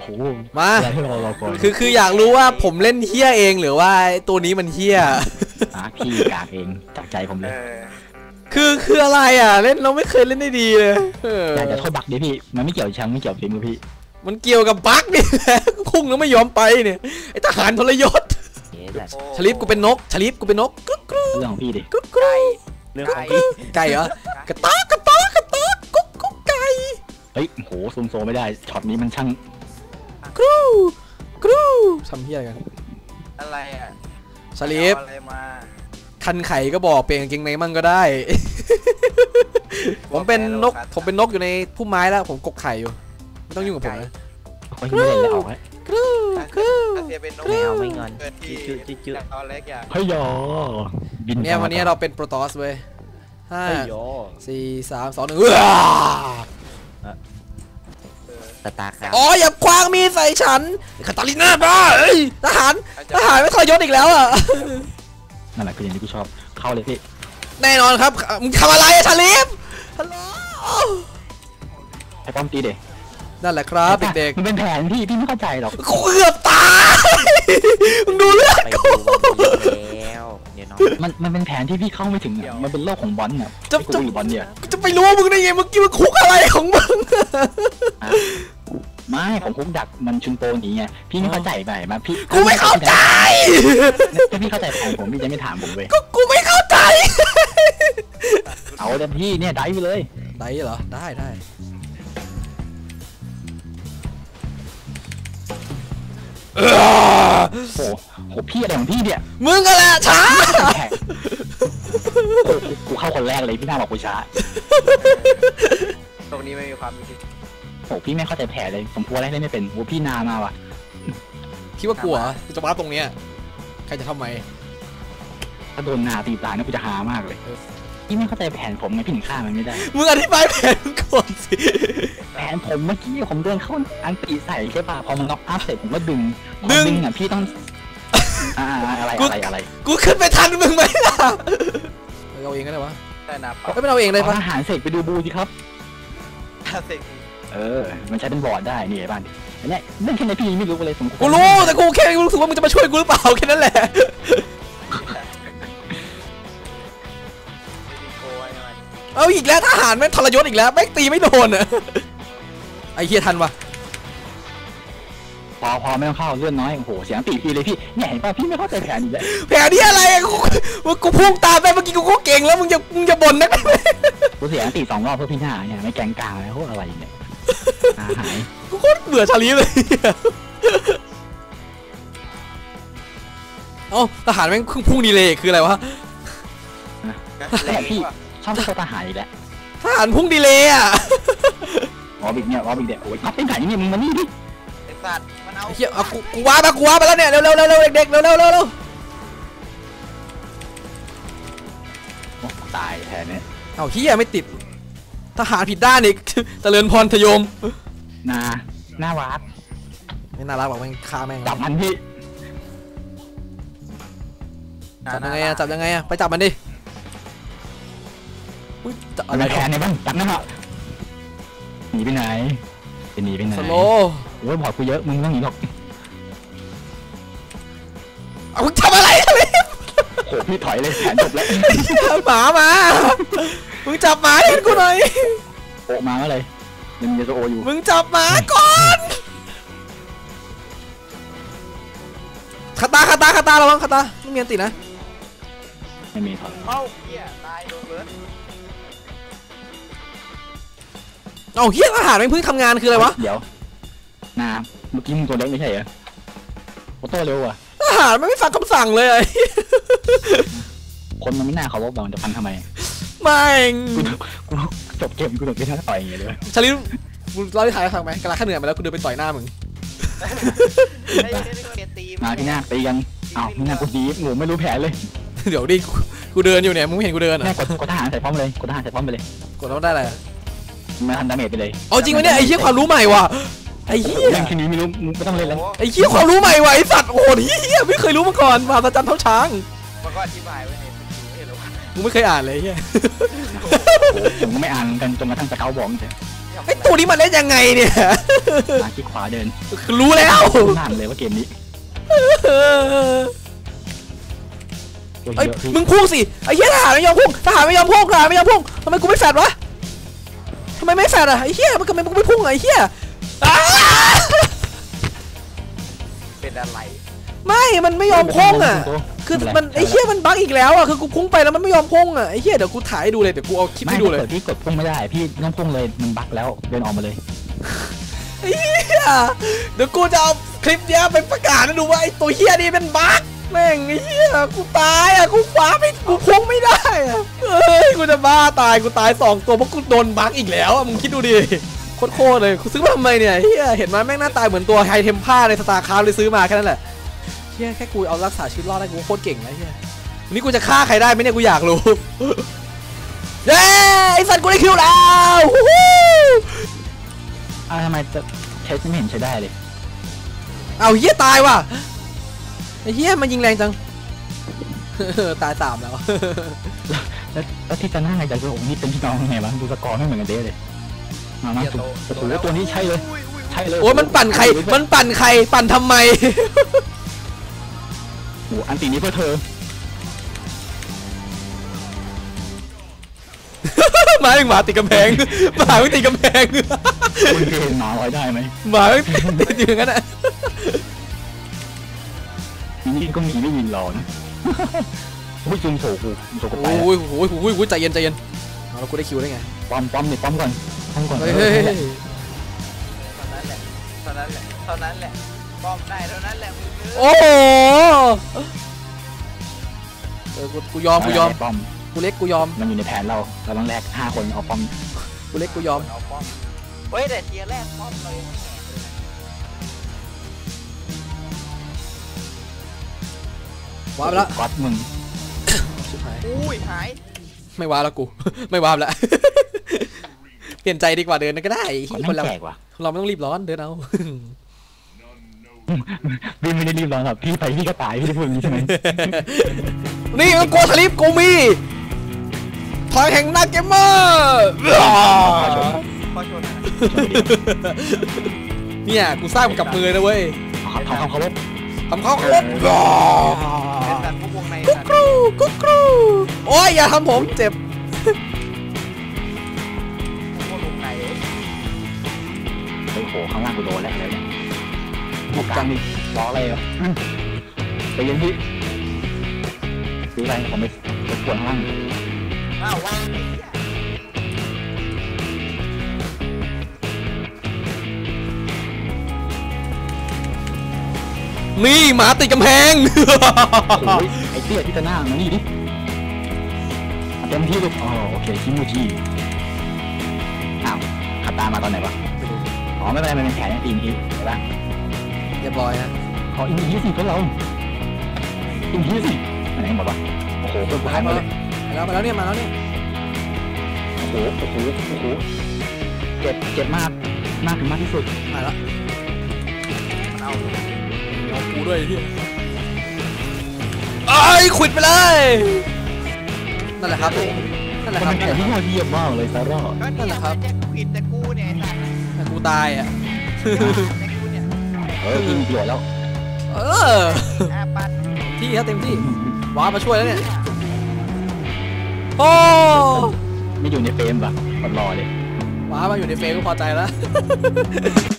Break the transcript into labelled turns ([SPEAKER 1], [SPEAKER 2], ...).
[SPEAKER 1] ห
[SPEAKER 2] มาคืออยากรู้ว่าผมเล่นเฮี้ยเองหรือว่าตัวนี้มันเฮี้ย
[SPEAKER 1] พี่กากเองจากใจผมเลย
[SPEAKER 2] คืออะไรอ่ะเล่นเราไม่เคยเล่นได้ดีเลย
[SPEAKER 1] อยากจะโทษบักดิพี่มันไม่เกี่ยวแชมป์ไม่เกี่ยวฝีมือพี่
[SPEAKER 2] มันเกี่ยวกับบักนี่แหละพุ่งแล้วไม่ยอมไปเนี่ยไอทหารทรยศชลิปกูเป็นนกชลิปกูเป็นนกกรุ๊กกรุ๊ก
[SPEAKER 1] เรื่องของพี่ดิ
[SPEAKER 2] กรุ๊กกรุ๊ก
[SPEAKER 3] เรื่อง
[SPEAKER 2] ไก่เหรอกระตากระตากระตากกุ๊กกุ๊กไก่
[SPEAKER 1] เฮ้ยโหซูมโซไม่ได้ช็อตนี้มันช่าง
[SPEAKER 2] กรูกรูทำเฮี้ยกัน
[SPEAKER 3] อะไรอ่ะ
[SPEAKER 2] ชลิปคันไข่ก็บอกเปลี่ยนกางเกงในมั่งก็ได้ผมเป็นนกอยู่ในพุ่มไม้แล้วผมกกไข่อยู่ไม่ต้องยุ่งกับผมนะ
[SPEAKER 1] ไม่เล่นแล้วเอาไว้
[SPEAKER 2] กรูกรู
[SPEAKER 3] แมวไม่งอนจืดตอนเล็กอย่าง
[SPEAKER 1] เฮ้ยยอ
[SPEAKER 2] เนี่ยวันนี้เราเป็นโปรตอสเว้ย5 4 3 2 1
[SPEAKER 3] ตาครับ
[SPEAKER 2] อ๋ออย่าคว้างมีดใส่ฉันคาตาลิน่าบ้าเอ้ยทหารไม่ทรยศอีกแล้วอ่ะ
[SPEAKER 1] นั่นแหละคืออย่างที่กูชอบเข้าเลยพี่
[SPEAKER 2] แน่นอนครับมึงทำอะไรอะชาลิฟฮัลโหล
[SPEAKER 1] ไอ้ป้อมตีเด็ก
[SPEAKER 2] นั่นแหละครับเด็ก
[SPEAKER 1] ๆมันเป็นแผนพี่ไม่เข้าใจหรอก
[SPEAKER 2] กูเกือบตายมึงดูเลือดกู
[SPEAKER 1] มันเป็นแผนที่พี่เข้าไม่ถึงมันเป็นโลกของบอลเนี่ยจะบอลเนี่ย
[SPEAKER 2] จะไปรู้มึงได้ไงเมื่อกี้มึงคุกอะไรของมึง
[SPEAKER 1] ไม่ผมคุกดักมันชุนโปหนีไงพี่ไม่เข้าใจไปมาพี่
[SPEAKER 2] กูไม่เข้าใจ
[SPEAKER 1] ถ้าพี่เข้าใจแผนผมพี่จะไม่ถามผมเลย
[SPEAKER 2] กูไม่เข้าใจ
[SPEAKER 1] เอาแต่พี่เนี่ยได้ไปเลย
[SPEAKER 2] ได้เหรอได้
[SPEAKER 1] โหพี่อะไรของพี่เนี่ย
[SPEAKER 2] มึงอะไรช้า
[SPEAKER 1] กูเข้าคนแรกเลยพี่น่าบอกกูช้า
[SPEAKER 3] ตรงนี้ไม่มีความคิด
[SPEAKER 1] โหพี่ไม่เข้าใจแผลเลยผมพูดอะไรไม่เป็นโหพี่นามาว่ะ
[SPEAKER 2] คิดว่ากลัวจะมาตรงเนี้ยใครจะทำไม
[SPEAKER 1] ถ้าโดนนาตีตายน่ากูจะหามากเลยพี่ไม่เข้าใจแผนผมไงพี่ถึงฆ่ามันไม่ได้
[SPEAKER 2] มึงอธิบายแผนก่อนสิ
[SPEAKER 1] แผนผมเมื่อกี้ผมเดินเข้าอันตีใส่ใช่ป่ะพอมันน็อกอัพเสร็จผมก็ดึงอ่ะพี่ต้องอะไร
[SPEAKER 2] กูขึ้นไปทันมึงไหมล่ะเอาเองก็ได้วะ
[SPEAKER 3] ได้นะ
[SPEAKER 2] ไม่เอาเองเลยปะ
[SPEAKER 1] ทหารเสกไปดูบูสิครับ
[SPEAKER 3] เสก
[SPEAKER 1] มันใช้เป็นบอร์ดได้นี่ไอ้บ้านอันนี้เรื่องแค่ไหนพี่ไม่รู้เลย
[SPEAKER 2] กูรู้แต่กูแค่รู้สึกว่ามึงจะมาช่วยกูหรือเปล่าแค่นั้นแหละเอาอีกแล้วทหารแม่งทรยศอีกแล้วแม่งตีไม่โดนอ่ะไอ้เฮียทันวะ
[SPEAKER 1] พอไม่ต้องเข้าเลื่อนน้อยโอ้โหเสียงตีพี่เลยพี่เนี่ยเห็นป่ะพี่ไม่เข้าใจแผนอีกแล้ว
[SPEAKER 2] แผนนี้อะไรกูพุ่งตามไปเมื่อกี้กูเก่งแล้วมึงจะบ่นนะ
[SPEAKER 1] กูเสียงตี2 รอบเพื่อพี่หน้าเนี่ยไม่แกงกลางแล้วอะไรเนี่ยหาย
[SPEAKER 2] กูโคตรเบื่อชาลีเลยเอ้าทหารแม่งพุ่งดีเลยคืออะไรวะ
[SPEAKER 1] แต่พี่ชอบทหารอีกแล้ว
[SPEAKER 2] ทหารพุ่งดีเลยอ่ะ
[SPEAKER 1] บิ๊กเนี่ยบิ๊กเด็กโอ้ยพับเป็นไก่เนี่ยมึงมานี่ดิ
[SPEAKER 3] ไอ้สัตว์มันเอา
[SPEAKER 2] เฮียกูว้าไปแล้วเนี่ยเร็วเด็กเร็ว
[SPEAKER 1] ตายแทนเนี่ย
[SPEAKER 2] เอาเฮียไม่ติดทหารผิดด้านอีกเจริญพรทยม
[SPEAKER 1] น่ารัก
[SPEAKER 2] ไม่น่ารักหรอกแม่งฆ่าแม่ง
[SPEAKER 1] จับมันพี่
[SPEAKER 2] จับยังไงไปจับมันดิ
[SPEAKER 1] อะไรแทนเนี่ยบ้างจับนั่นเหรอหนีไปไหน
[SPEAKER 2] สโล
[SPEAKER 1] โอ้ยบอกกูเยอะมึงต้องหนีหรอก
[SPEAKER 2] เอามึงทำอะไรเลย
[SPEAKER 1] โหพี่ถอยเลยแขนจบแล้ว
[SPEAKER 2] หมามามึงจับหมาเห็นกูหน่อย
[SPEAKER 1] โอมาอะไรยังมีโซโออยู่
[SPEAKER 2] มึงจับหมาก่อนคาตาระวังคาตาไม่มีอันตินะ
[SPEAKER 1] ไม่มีครับ
[SPEAKER 3] เอ้าเฮียตายโดนเบิร์ด
[SPEAKER 2] เอาเฮียอาหารมันเพิ่งทำงานคืออะไรวะ
[SPEAKER 1] เดี๋ยวเมื่อกี้มึงตัวเล็กไม่ใช่เหรอโอโต้เร็วอ่ะ
[SPEAKER 2] อาหารไม่ฟังคำสั่งเลย
[SPEAKER 1] คนมันไม่น่าเขาบอกมันจะฟันทำไม
[SPEAKER 2] ไม่
[SPEAKER 1] กูจบเกมกูโดนไปท่าต่อยอย่างเงี้ยเลย
[SPEAKER 2] ชาลิเราได้ถ่ายทางไหมกำลังขั้นเหนื่อยมาแล้วกูเดินไปต่อยหน้ามึง
[SPEAKER 1] มาพี่หน้าตีกันอ้าวพี่หน้ากูดีงูไม่รู้แผลเลย
[SPEAKER 2] เดี๋ยวดิกูเดินอยู่เนี่ยมึงเห็นกูเดินอ่ะ
[SPEAKER 1] กดทหารใส่พร้อมเลยกดทหารใส่พร้อมไปเลย
[SPEAKER 2] กดแล้วได้อะไร
[SPEAKER 1] มาทันดาเมจไปเลย
[SPEAKER 2] เอาจริงไหมเนี่ยไอ้เหี้ยความรู้ใหม่ว่ะไอ้เหี้ย
[SPEAKER 1] เรื่องแค่นี้ไม่รู้ไม่ต้องเล่นแล้ว
[SPEAKER 2] ไอ้เหี้ยความรู้ใหม่ว่ะไอ้สัตว์โอ้โหเหี้ยไม่เคยรู้มาก่อนมหัศจรรย์เท่าช้าง
[SPEAKER 3] มันก็อธิบายไว้ใน
[SPEAKER 2] มึงไม่เคยอ่านเลยเหี้ย
[SPEAKER 1] ผมก็ไม่อ่านกันจนกระทั่งสเกลบอกใช่
[SPEAKER 2] ไอตัวนี้มันเล่นยังไงเนี่ย
[SPEAKER 1] มาที่ขวาเดิน
[SPEAKER 2] รู้แล้ว
[SPEAKER 1] นั่นเลยว่าเกมนี้
[SPEAKER 2] ไอ้ยมึงพุ่งสิไอ้เหี้ยทหารไม่ยอมพุ่งทหารไม่ยอมพุ่งทหารไม่ยอมพุ่งทำไมกูไม่แฟดวะทำไมไม่แฟดอะไอ้เหี้ยมันทำไมกูไม่พุ่งอะไอ้เหี้ย
[SPEAKER 3] เป็นอะไร
[SPEAKER 2] ไม่มันไม่ยอมพุ่งอะคือมันไอ้เหี้ยมันบั๊กอีกแล้วอะคือกูพุ่งไปแล้วมันไม่ยอมพุ่งอะไอ้เหี้ยเดี๋ยวกูถ่ายให้ดูเลยเดี๋ยวกูเอาคลิปให้ดูเลย
[SPEAKER 1] พี่กดพุ่งไม่ได้พี่ต้องพุ่งเลยมันบั๊กแล้วเดินออกมาเลย
[SPEAKER 2] ไอ้เหี้ยเดี๋ยวกูจะเอาคลิปเนี้ยไปประกาศให้ดูว่าไอ้ตัวเหี้ยนี่เป็นบั๊กแม่งไอ้เหี้ยกูตายอะกูฟ้าไม่กูพุ่งไม่ได้อะเฮ้ยกูจะบ้าตายกูตาย2ตัวเพราะกูโดนบั๊กอีกแล้วอะมึงคิดดูดิโคตรเลยกูซื้อมาทำไมเนี่ยเฮียเห็นไหมแม่งหน้าตายเหมือนตัวไฮเทมผ้าในสตาร์คราฟเลยซื้อมาแค่นั้นแหละเฮียแค่กูเอารักษาชีวิตรอดได้กูโคตรเก่งแล้วเฮียวันนี้กูจะฆ่าใครได้ไหมเนี่ยกูอยากรู้เย้ไอ้สัตว์กูได้คิวแล้ว
[SPEAKER 1] ทำไมจะใช้ไม่เห็นใช้ได้เลย
[SPEAKER 2] เอาเฮียตายว่ะไอ้เฮียมันยิงแรงจังตาย3แล้ว
[SPEAKER 1] แล้วที่จะน่าไงจากโอ้นี่เป็นพี่น้องไงวะดูสกอร์ไม่เหมือนกันเด้เลยมาโอ้โหตัวนี้ใช่เลยใช่เลย
[SPEAKER 2] โอ้ยมันปั่นใครปั่นทำไม
[SPEAKER 1] โอ้อันตีนี้เพื่อเธอ
[SPEAKER 2] หมาติดกำแพงหมาไม่ติดกำแพง
[SPEAKER 1] คุณเคยเห็นหมาไว้ได้ไหม
[SPEAKER 2] หมาติดอยู่งั้นอ่ะ
[SPEAKER 1] นี่ก็มีไม่ยินหลอนโอ้ยจุ่มโฉกูไป
[SPEAKER 2] โอ้ยใจเย็นเอาแล้วกูได้คิวได้ไง
[SPEAKER 1] ป้อมเนี่ยป้อมก่อน
[SPEAKER 2] เฮ้ย
[SPEAKER 3] เท่านั้นแหละป้อมได้เท่านั้นแหละ
[SPEAKER 2] โอ้โหกูยอม
[SPEAKER 1] ป้อม
[SPEAKER 2] กูเล็กกูยอม
[SPEAKER 1] มันอยู่ในแผนเราต้องแลก5 คนเอาป้อม
[SPEAKER 2] กูเล็กกูยอม
[SPEAKER 3] เอาป้อมเฮ้ยแต่เทียแรกป้อมเลย
[SPEAKER 2] ว้าวแล้ว
[SPEAKER 1] ก๊อตมึง
[SPEAKER 3] อุ้ยหาย
[SPEAKER 2] ไม่ว้าวแล้วกูไม่ว้าวแล้วเปลี่ยนใจดีกว่าเดินก็ได้
[SPEAKER 1] คนเรา
[SPEAKER 2] เราไม่ต้องรีบร้อนเดินเอา
[SPEAKER 1] พี่ไม่ได้รีบร้อนหรอกพี่ไปพี่ก็ตายพี่ได้พูดอย่างนี้ใช่ไหม
[SPEAKER 2] นี่มันโกสลิปกูมีพลังแห่งนักเกมเมอร์เนี่ยกูสร้างมันกับมือนะเว้ย
[SPEAKER 1] ทำเขาลบ
[SPEAKER 2] กุ๊กครูโอ้ยอย่าทำผมเจ็บ
[SPEAKER 1] โอ้โหข้างล่างกูโดนแล้วเลยบุกกลางดิล้ออะไรอ่ะไปยังพี่ซื้ออะไรผมไปปวดข้างล่าง
[SPEAKER 2] นี่หมาติดกำแพง
[SPEAKER 1] โอ้ยไอ้เตี้ยที่จะหน้ามานี่ดิเต็มที่เลยอ๋อโอเคชิมูจิอ้าวขับตามมาตอนไหนวะอ๋อไม่เป็นไรมันเป็นแผนอินทีใช่ปะ
[SPEAKER 2] เรียบร้อยฮะ
[SPEAKER 1] ขออินทีสิเพื่อนเราอินทีสิไหนหมดวะโอ้โหเพื่อนกูหายหมดเลย
[SPEAKER 2] มาแล้วเนี่ย
[SPEAKER 1] โอ้โหเจ็บมากถึงมากที่สุด
[SPEAKER 2] มาแล้ว
[SPEAKER 3] มันเอา
[SPEAKER 2] กูด้วยที่ไอ้ขวิดไปเลยนั่นแหละครับ
[SPEAKER 1] นั่นแหละครับมันเป็นแผนที่ยอดเยี่ยมมากเลยซาร่า
[SPEAKER 2] นั่นแหละครับ
[SPEAKER 3] ขวิดแต่กูเนี่ย
[SPEAKER 2] แต่กูตายอ่ะ
[SPEAKER 1] พี่มีประโยชน์แล้ว
[SPEAKER 2] ที่เต็มที่ว้ามาช่วยแล้วเนี่ยโอ้
[SPEAKER 1] ไม่อยู่ในเฟรมป่ะรอเลย
[SPEAKER 2] ว้ามาอยู่ในเฟรมก็พอใจแล้ว